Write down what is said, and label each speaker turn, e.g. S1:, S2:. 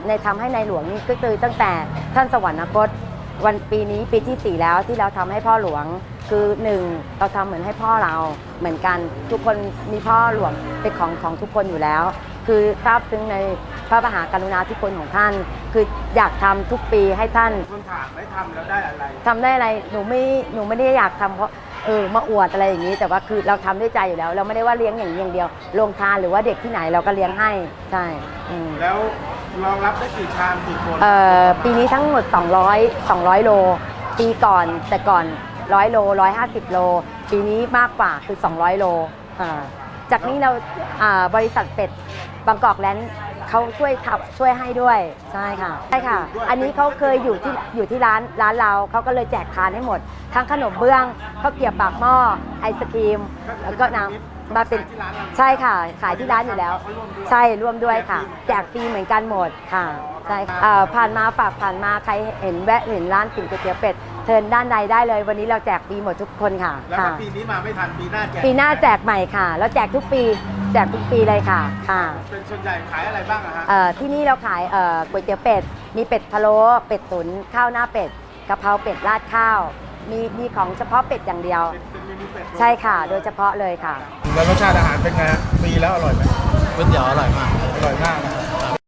S1: ในทำให้ในหลวงนี่ก็คือตั้งแต่ท่านสวรรคตวันปีนี้ปีที่4แล้วที่เราทำให้พ่อหลวงคือ1เราทำเหมือนให้พ่อเราเหมือนกันทุกคนมีพ่อหลวงเป็นของทุกคนอยู่แล้วคือทราบซึ้งในพระมหากรุณาธิคุณของท่านคืออยากทำทุกปีให้ท่าน
S2: คนถามไม่ทำแล้วได้อะไร
S1: ทำได้อะไรหนูไม่ได้อยากทำเพราะมาอวดอะไรอย่างนี้แต่ว่าคือเราทำด้วยใจอยู่แล้วเราไม่ได้ว่าเลี้ยงอย่างเดียวโรงทานหรือว่าเด็กที่ไหนเราก็เลี้ยงให้ใช่
S2: แล้วรองรับได้กี่ชามกี่คน
S1: ปีนี้ทั้งหมด200โลปีก่อนแต่ก่อน100โล150โลปีนี้มากกว่าคือ200โลจากนี้เราบริษัทเป็ดบางกอกแลนด์เขาช่วยให้ด้วยใช่ค่ะใช่ค่ะอันนี้เขาเคยอยู่ที่ร้านเราเขาก็เลยแจกทานให้หมดทั้งขนมเบื้องข้าวเกรี๊ยวปากหม้อไอศครีมแล้วก็น้ำมาเป็นใช่ค่ะขายที่ร้านอยู่แล้วใช่ร่วมด้วยค่ะแจกฟรีเหมือนกันหมดค่ะใช่ผ่านมาผ่านมาใครเห็นร้านก๋วยเตี๋ยวเป็ดเทินด้านใดได้เลยวันนี้เราแจกฟรีหมดทุกคนค่ะ
S2: แล้วถ้าปีนี้มาไม่ทันปีหน้า
S1: แจกใหม่ค่ะแล้วแจกทุกปีเลยค่ะ
S2: เป็นส่วนใหญ่ขายอะไรบ้างอะฮะ
S1: ที่นี่เราขายก๋วยเตี๋ยวเป็ดมีเป็ดพะโล้เป็ดตุ๋นข้าวหน้าเป็ดกะเพราเป็ดราดข้าวมีของเฉพาะเป็ดอย่างเดียวใช่ค่ะโดยเฉพาะเลยค่ะ
S2: แล้วรสชาติอาหารเป็นไงฟรีแล้วอร่อยไหม
S3: ก๋วยเตี๋ยวอร่อยมาก
S2: อร่อยมากนะ